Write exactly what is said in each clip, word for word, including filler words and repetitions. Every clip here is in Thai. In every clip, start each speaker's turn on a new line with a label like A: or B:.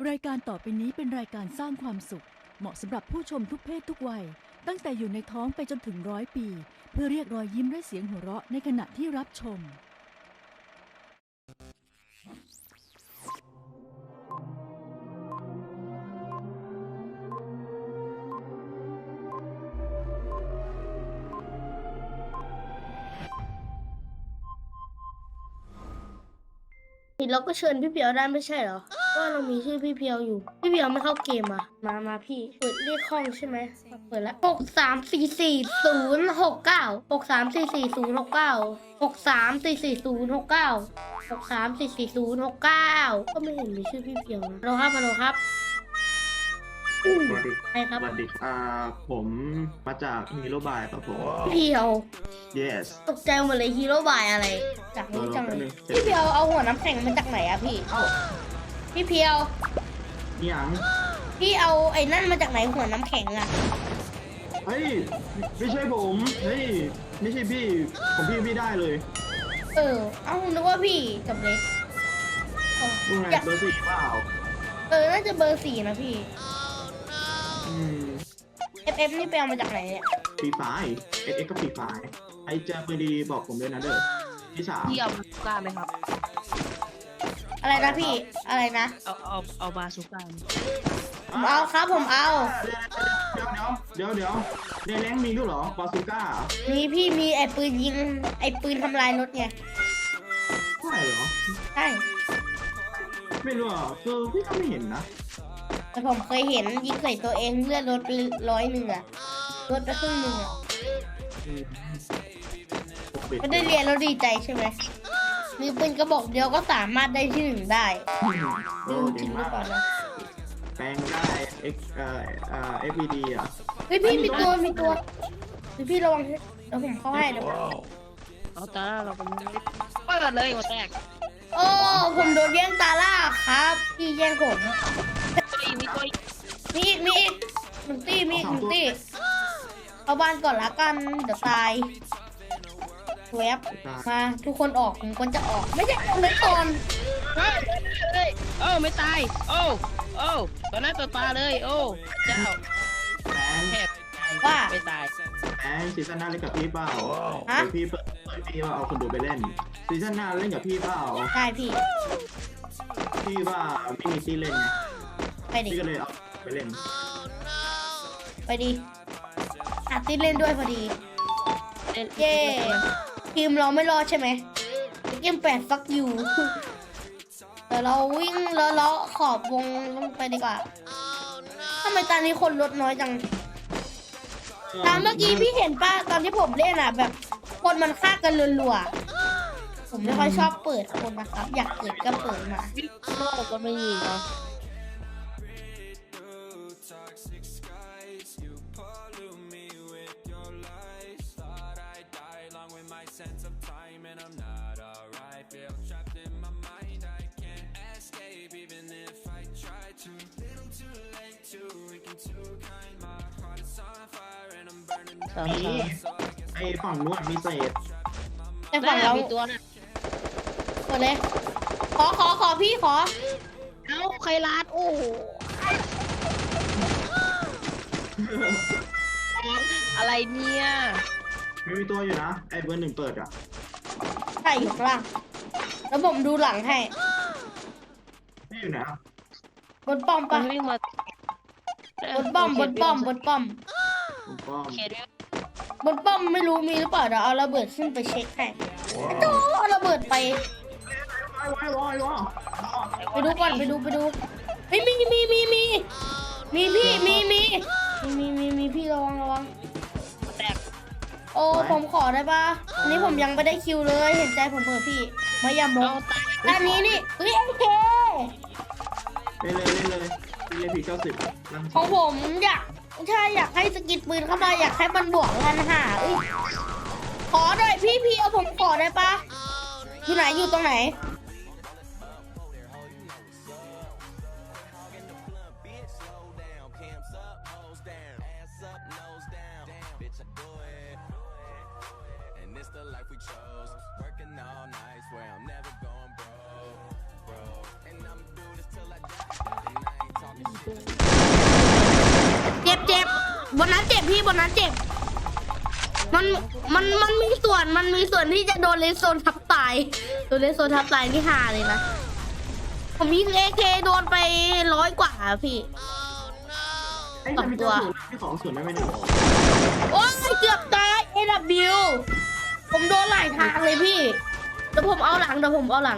A: รายการต่อไปนี้เป็นรายการสร้างความสุขเหมาะสำหรับผู้ชมทุกเพศทุกวัยตั้งแต่อยู่ในท้องไปจนถึงร้อยปีเพื่อเรียกรอยยิ้มและเสียงหัวเราะในขณะที่รับชม
B: เราก็เชิญพี่เพียวได้ไม่ใช่เหรอว่าเรามีชื่อพี่เพียวอยู่พี่เพียวไม่เข้าเกมอ่ะมามาพี่เปิดเลขห้องใช่ไหมเปิดแล้วหกสามสี่สี่ศูนย์หกเก้าหกสามสี่สี่ศูนย์หกเก้าหกสามสี่สี่ศูนย์หกเก้าหกสามสี่สี่ศูนย์หกเก้าก็ไม่เห็นมีชื่อพี่เพียวนะเราครับมาเราครับ
C: สวัสดี
B: ใครครับ
C: สวัสดีอ่าผมมาจากฮีโร่บายครับผม
B: พี่เพียว
C: yes
B: ตกใจหมดเลยฮีโร่บายอะไรจากนี้จังเลยพี่เพียวเอาหัวน้ำแข็งมาจากไหนอะพี่
C: เอ้า
B: พี่เพียว
C: นี่ยัง
B: พี่เอาไอ้นั่นมาจากไหนหัวน้ำแข็งอะ
C: เฮ้ยไม่ใช่ผมเฮ้ยไม่ใช่พี่ผมพี่พี่ได้เลย
B: เออ เอานึกว่าพี่กับเล็ก
C: ดูไงเบอร์สี่เปล่า
B: เออ น่าจะเบอร์สี่นะพี่
C: อืม
B: เอฟเอฟ นี่ไปเอามาจากไหนเนี่ย
C: ปีไฟเอ็กเอ็กก็ปีไฟไอเจอปืนดีๆบอกผมด้วยนะเด้อที่สาม
D: พี่เอาบาซูก้าไหมครับ
B: อะไรนะพี่ อะไรนะ
D: เอาเอาเอาบาซูก้า
B: ผมเอาครับผมเอา
C: เดี๋ยวเดี๋ยวเดี๋ยวในแรงมีด้วยเหรอบาซูก้า
B: มีพี่มีไอ้ปืนยิง ไอ้ปืนทำลายรถไง
C: ใช่เหรอ
B: ใช่
C: ไม่รู้อ่ะคือพี่ก็ไม่เห็นนะ
B: แต่ผมเคยเห็นยิงใส่ตัวเองเลือดรถไปร้อยหนึ่งอะรถไปครึ่งหนึ่งอะ
C: อืม
B: ไม่ได้เรียนแล้วดีใจใช่ไหมมีปืนกระบอกเดียวก็สามารถได้ที่หนึ่งได้
C: โอ้
B: ดูจ
C: เก่
B: ริ
C: ง
B: งหรื
C: มา
B: อก เปล่านะ
C: แปลงได้ X เอ่อเอ่อ เอฟ วี ดี อ่ะ
B: เฮ้ยพี่มีตัวมีตัวเฮ้ยพี่ระวังเดี๋ยวผมเข้าให้เดี๋ยว
D: เอาตาเราเป็นเปิดเลยหัวแตก
B: โอ้ผมโดนแย่งตาล่าครับพี่แย่งผม
D: ตัวอีกมีตัวอีก
B: มีอีกมีอีกหนึ่งตีมีอีกหนึ่งตีเอาบ้านก่อนละกันเดี๋ยวตายแวบมาทุกคนออกผมคนจะออกไม่ใช่เอาเลยก่อน
D: เฮ้ยเฮ้ยโอ้ไม่ตายโอ้โอ้ตัวหน้าตัวตาเลยโอ้เจ้า
C: แปลง
D: แทบ
B: ว่า
D: ไม่ตาย
C: แปลงซีซั่นหน้าเล่นกับพี่เปล่า
B: ฮะ
C: เดี๋ยวพี่เปิดเปิดพี่ว่าเอาคนดูไปเล่นซีซั่นหน้าเล่นกับพี่เปล่า
B: ได้พี่
C: พี่ว่าไม่มีที่เล่นไง
B: ไปดิ
C: พี่ก็เลยเอาไปเล่น
B: ไปดิอาติเล่นด้วยพอดี
D: เล่น
B: เย้ทีมเราไม่รอดใช่ไหมเกมแปดฟักยูเดี๋ยวเราวิ่งแล้วเลาะขอบวงลงไปดีกว่าทำไมตอนนี้คนลดน้อยจังตามเมื่อกี้พี่เห็นป่ะตอนที่ผมเล่นอ่ะ แบบคนมันฆ่ากันรัวๆผมไม่ค่อยชอบเปิดคนนะครับ อยากเปิดก็เปิดมา
D: โลกก็ไม่ยิงเนาะ สาม
C: มี
D: สาม
C: ไอ้ฝั่งนู้นมีเศษ
B: แต่ฝั่งเรา
D: มีตัวน่ะ
B: กดเลย ขอขอขอพี่ขอ
D: เอ้าใครลาดโอ้โหอะไรเนี่ย
C: ไม่มีตัวอยู่นะไอ้เบอร์หนึ่งเปิดอ่ะ
B: ใช่อยู่ข้างล่างแล้วผมดูหลังให้
C: พี่อยู่ไหนอ่ะ
B: บนป้อม
D: มั
B: ปะ
D: นวิ่งมา
B: บนป้อมบนป้อมบนป้อม
C: ผมป้อม
D: เขตวิ่ง
B: บนป้อมไม่รู้มีหรือเปล่าเดี๋ยวเอาระเบิดขึ้นไปเช็คให้ไอ้โจ้เอาระเบิดไป
C: ไว้ไว้ไว้ไว้
B: ไปดูก่อนไปดูไปดูเฮ้ยมีมีมีมีมีพี่มีมีมีมีมีพี่ระวังระวัง
D: แตก
B: โอ้ผมขอได้ปะอันนี้ผมยังไม่ได้คิวเลยเห็นใจผมเถอะพี่มาอย่ามอ
D: เอา
B: ง
D: ตาย
B: อันนี้นี่เฮ้ยโอเค
C: เล่นเลยเล่นเลยเล่นพีเก้าสิบลั่น
B: ของผมอยากใช่อยากให้สกิดปืนเข้ามาอยากให้มันบวกกันหาอุ้ยขอหน่อยพี่พี่เอาผมขอได้ปะอยู่ไหนอยู่ตรงไหนเจ็บเจ็บบนนั้นเจ็บพี่บนนั้นเจ็บมันมันมันมีส่วนมันมีส่วนที่จะโดนเลนโซนทับตายโดนเลนโซนทับตายที่หาเลยนะผมยิงเอเคโดนไปร้อยกว่าพี่
C: ไอ้จะมีตัวที่สองส่วนได้ไหมเนี่ย
B: โอ้ยเกือบตาย เอ ดับเบิลยู ผมโดนหลายทางเลยพี่เดี๋ยวผมเอาหลังเดี๋ยวผมเอาหลัง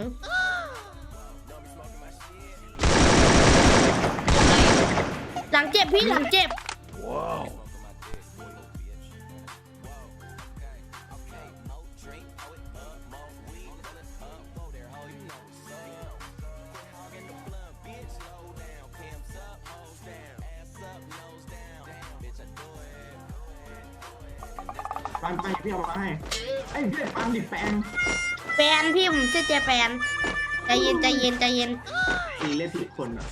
B: หลังเจ็บพี่หลังเจ็บ
C: ปันไปพี่เอามาให้ไอ้เพื่อนปันดิแปลง
B: แฟนพี่ผมชื่อเจแปนใจเย็นใจเย็นใจเย็น
C: ตีเล่นผิดคนอ่ะ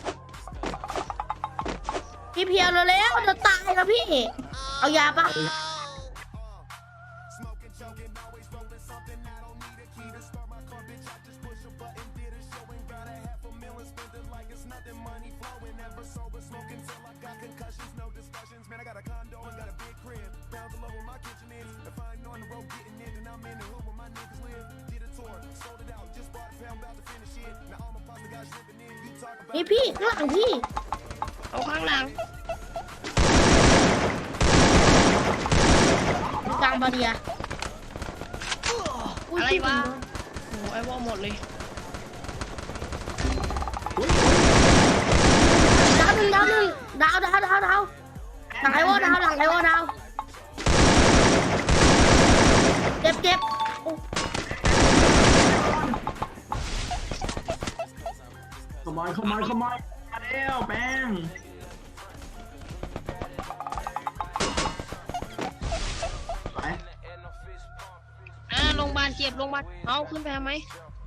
B: พี่เพียวเร็วๆจะตายแล้วพี่ เอายาปะนี่พี่ข้างหลังพี่
D: เอาข้างหลัง
B: กลางบาเรีย
D: อะไรวะโอ้ไอ้วอลหมดเลย
B: ดาวหนึ่งดาวหนึ่งดาวดาวดาวดาวหลังไอวอดาวหลังไอวอดาวเจ็บเจ็บ
C: ขโมยขโมยขโมยมาแล้วแป้งไป
D: อ่าโรงพยาบาลเจ็บโรงพยาบาลเอาขึ้นไปทำไม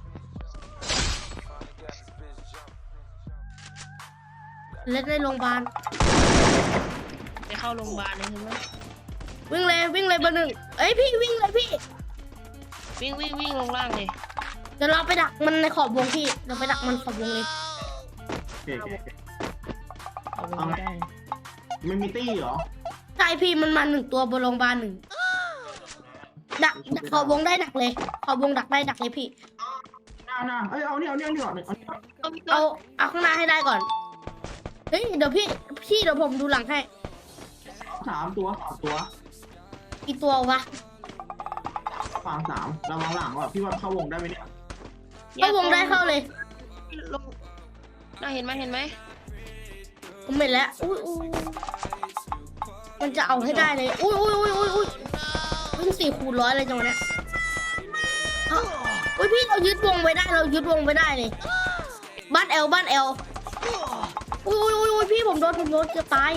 B: เล่นในโรงพยาบาล
D: ไปเข้าโรงพยาบาลเลยใช่ไหม
B: วิ่งเลยวิ่งเลยเบอร์หนึ่งเอ้ยพี่วิ่งเลยพี่
D: วิ่งวิ่งวิ่งลงล่างเลย
B: เดี๋ยวเราไปดักมันในขอบวงพี่เราไปดักมันขอบวงเลย
C: โอเคโอเคโอเค
D: เอาลงไม่ได้
C: ไม่มีตี้เหรอ
B: ใช่พี่มันมาหนึ่งตัวบนโรงพยาบาลหนึ่งดักดักขอบวงได้ดักเลยขอบวงดักได้ดักเลยพี่
C: น่าน่าเอ้ยเอาเนี่ยเอาเนี่ยเอาเนี่ยเอาเนี่ย
D: เอามีตัว
B: เอาเอาข้างหน้าให้ได้ก่อนเฮ้ยเดี๋ยวพี่พี่เดี๋ยวผมดูหลังให้
C: สามตัวสามตัว
B: อีกตัววะ
C: ฟังสามระวังหลังว่ะพี่ว่าเข้าวงได้ไหมเนี่ย
B: เข้าวงได้เข้าเลย
D: ลงน่าเห็นไหมเห็นไหม
B: ผมเห็นแล้วอุ้ยอุ้ยมันจะเอาให้ได้เลยอุ้ยอุ้ยอุ้ยอุ้ยอุ้ยวิ่งสี่คูณร้อยเลยจังวะเนี้ยเอ้าอุ้ยพี่เรายึดวงไว้ได้เรายึดวงไว้ได้เลยบ้านเอลบ้านเอลอุ้ยอุ้ยอุ้ยอุ้ยพี่ผมโดนผมโดนจะตาย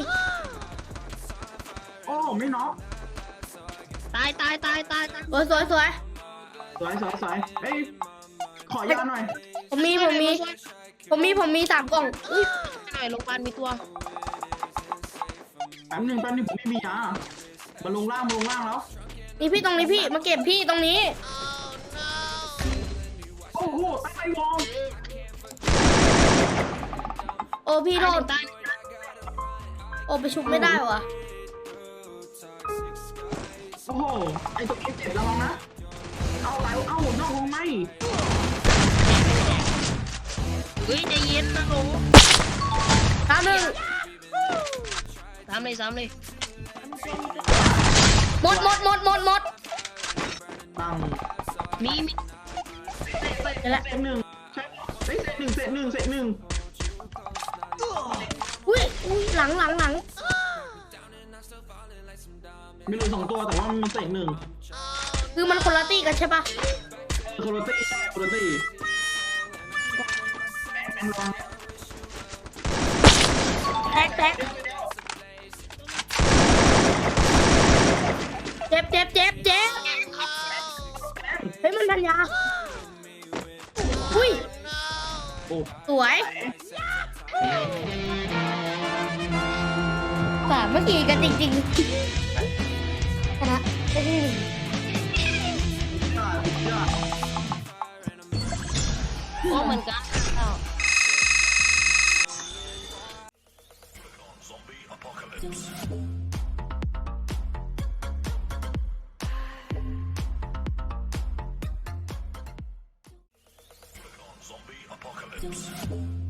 C: โอ้ไม่น็อก
D: ตายตายตายตายตาย
B: สวยสวยสวย
C: สวยสวยสวยเอ้ยขอยาหน่อย
B: ผมมีผมมีผมมีผมมีสามกล่องอุ้ย
D: หน่อยโรงพยาบาลมีตัว
C: แป๊บนึงแป๊บนึงผมไม่มียามาลงล่างมาลงล่างแล้ว
B: นี่พี่ตรงนี้พี่มาเก็บพี่ตรงนี้
C: โอ้โหตั้งใจวอง
B: โอ้พี่โทษ
D: ตาย
B: โอ้ไปชุบไม่ได้วะ
C: โอ้โหไอ้ตัวเอฟเจ็บระวังนะเอาไหลเอานอกวงไหม
D: เฮ้ยใจเย็นนะหนู
B: ตามหนึ่ง
D: สามเลยสามเลย
B: หมดหมดหมดหมดหมด
C: ตั้ง
D: มีมี
B: เดี๋ยวละ
C: เศษหนึ่งใช่เฮ้ยเศษหนึ่งเศษหนึ่งเศษหนึ่ง
B: อุ้ยอุ้ยหลังหลังหลัง
C: มีเหลือสองตัวแต่ว่ามันเศษหนึ่ง
B: คือมันคนละตีกันใช่ปะ
C: โคโรตี้โคโรตี้แป้งระวัง
B: แท็กแท็กเจ็บเจ็บเจ็บเจ็บเฮ้ยมันพันยาอุ้ย
C: โอ้
B: สวยสามเมื่อกี้กันจริงๆชนะได้ที่หนึ่ง
C: ยอดยอด
D: โอ้เหมือนกันอ้าว
E: apocalypse.